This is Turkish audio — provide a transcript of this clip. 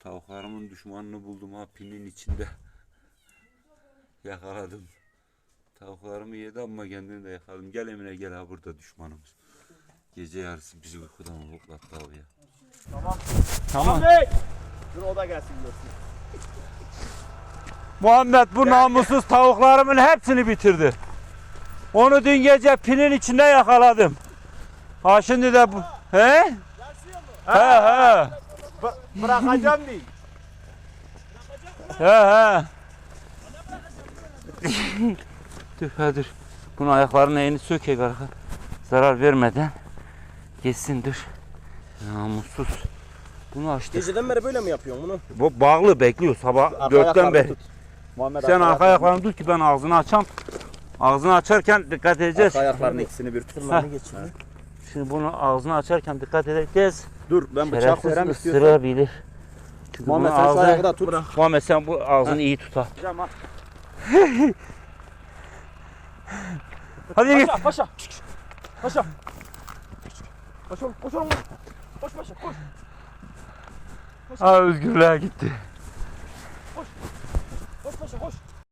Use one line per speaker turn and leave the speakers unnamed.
Tavuklarımın düşmanını buldum ha, pinin içinde. Yakaladım. Tavuklarımı yedi ama kendini de yakaladım. Gel Emine gel, ha burada düşmanımız. Gece yarısı bizi uykudan hoplattı abi ya.
Tamam.
Tamam.
Muhammed! Dur o da gelsin görsün.
Muhammed bu namussuz tavuklarımın hepsini bitirdi. Onu dün gece pinin içinde yakaladım. Ha şimdi de bu. He? He.
Bırakacağım değil.
He. Dur ha dur. Bunun ayaklarının eğini sökek arka. Zarar vermeden. Geçsin dur. Namussuz. Bunu açtı.
Geceden beri böyle mi yapıyorsun bunu?
Bu bağlı bekliyor sabah
Arka
4'ten
ayaklarını
beri.
tut. Muhammed
Sen arka ayaklarını tut ki ben ağzını açam. Ağzını açarken dikkat edeceğiz.
Arka ayaklarını ikisini bir tut.
Şimdi bunu ağzını açarken dikkat edeceğiz.
Dur ben bıçak
Şerefsiz
verem istiyorsan.
ısırabilir. Çünkü
Muhammed
bunun
sen şu
ağzı...
ayağı da tut.
Muhammed sen bu ağzını iyi tut ha.
Tamam.
Hadi git.
Paşa paşa. Paşa. Koş oğlum koş oğlum. Koş paşa koş.
Ha özgürlüğe gitti.